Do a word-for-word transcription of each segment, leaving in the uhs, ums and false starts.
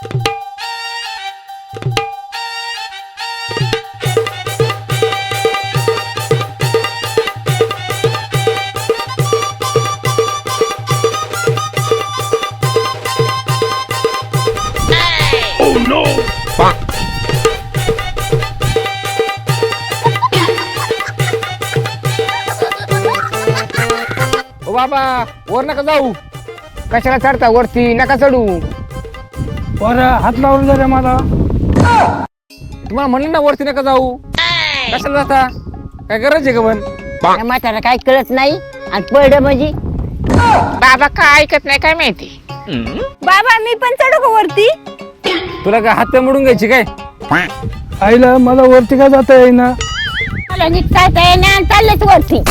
ओ बाबा वर नका जाऊ. कशाला चढता वरती? नका चढू. वर हात लावून जरा मला. तुम्हाला म्हणलं ना वरती नका जाऊ. कशाला जाता? काय गरज आहे का पण? त्या म्हातारा काय कळत नाही आणि पडलं म्हणजे बाबा काय ऐकत नाही काय माहिती. बाबा मी पण चढू का वरती? तुला काय हात मोडून घ्यायची काय? आईला मला वरती का जाता येईना. मला नीट काय काय नाही चाललेच वरती.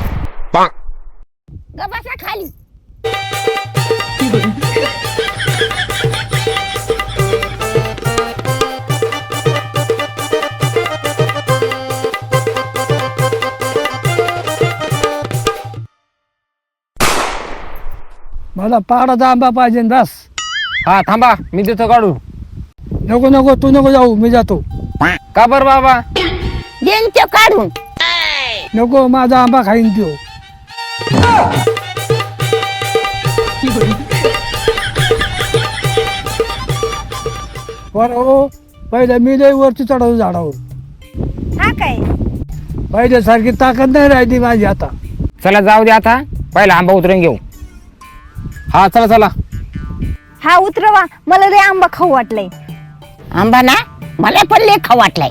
गबासा खाली. मला पहाडाचा आंबा पाहिजे बस. हा थांबा मी देतो काढू. नको नको तू नको जाऊ मी जातो. का बर बाबा? देन ते काढून. नको माझा आंबा खाईन त्यो. वर हो पहिले मी लई वरती चढवतो झाडावर. हा काय? पहिले सारखी ताकद नाही राहिली माझी आता. चला जाऊ दे आता. पहिला आंबा उतरून घेऊ. हा चला चला. हा उतरवा, मला लय आंबा खाऊ वाटलंय. आंबा ना मला पण लय खाऊ वाटलाय.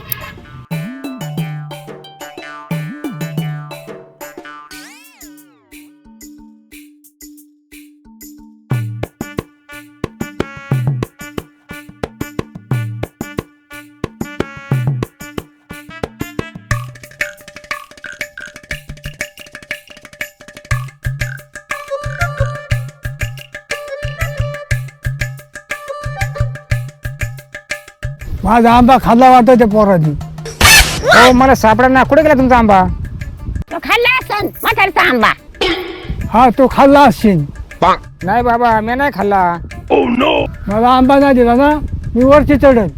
माझा आंबा खाल्ला वाटत त्या पोरांनी. हो मला सापडा ना. कुठे गेला तुमचा आंबा? तो खाल्ला असन म्हातारचा आंबा. हा तो खाल्ला असशील. नाही बाबा मी नाही खाल्ला. मला आंबा नाही दिला ना मी वरती चढल.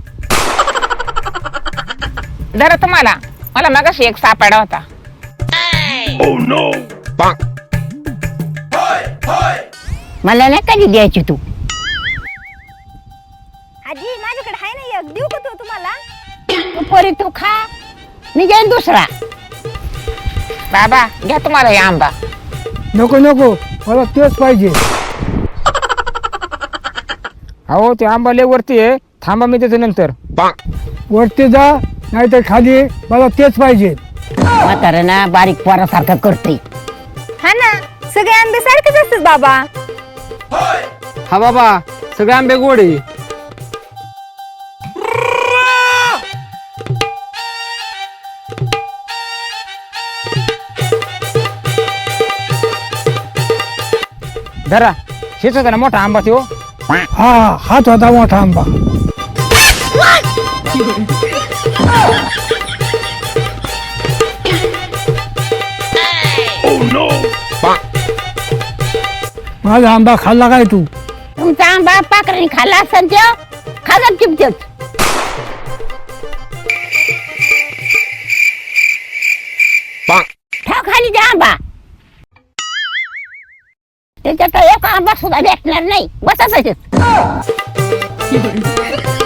जरा तुम्हाला मला मगाशी एक सापडा होता. मला नाही कधी द्यायची तू. आजी माझ्याकडे आहे ना एक, देऊ का तो तुम्हाला? तू पोरी तू खा मी जाईन दुसरा. बाबा घ्या तुम्हाला हे आंबा. नको नको मला तेच पाहिजे. हो ते आंबा लय वरती आहे. थांबा मी देतो नंतर. वरती जा नाही तर खाली मला तेच पाहिजे. म्हातारा ना बारीक पोरासारखं करते. हा ना, सगळे आंबे सारखेच असतात बाबा. हा बाबा सगळे आंबे गोड आहे. धरा हेच होता ना मोठा आंबा तो. हा हात होता मोठा आंबा. माझा आंबा खाल्ला काय तू? तुमचा आंबा पाखराने खाल्ला असन त्यो खाजत चिपचत. ठेव खाली त्या आंबा. त्याच्यात एक आंबा सुद्धा भेटणार नाही. बसा तसेच.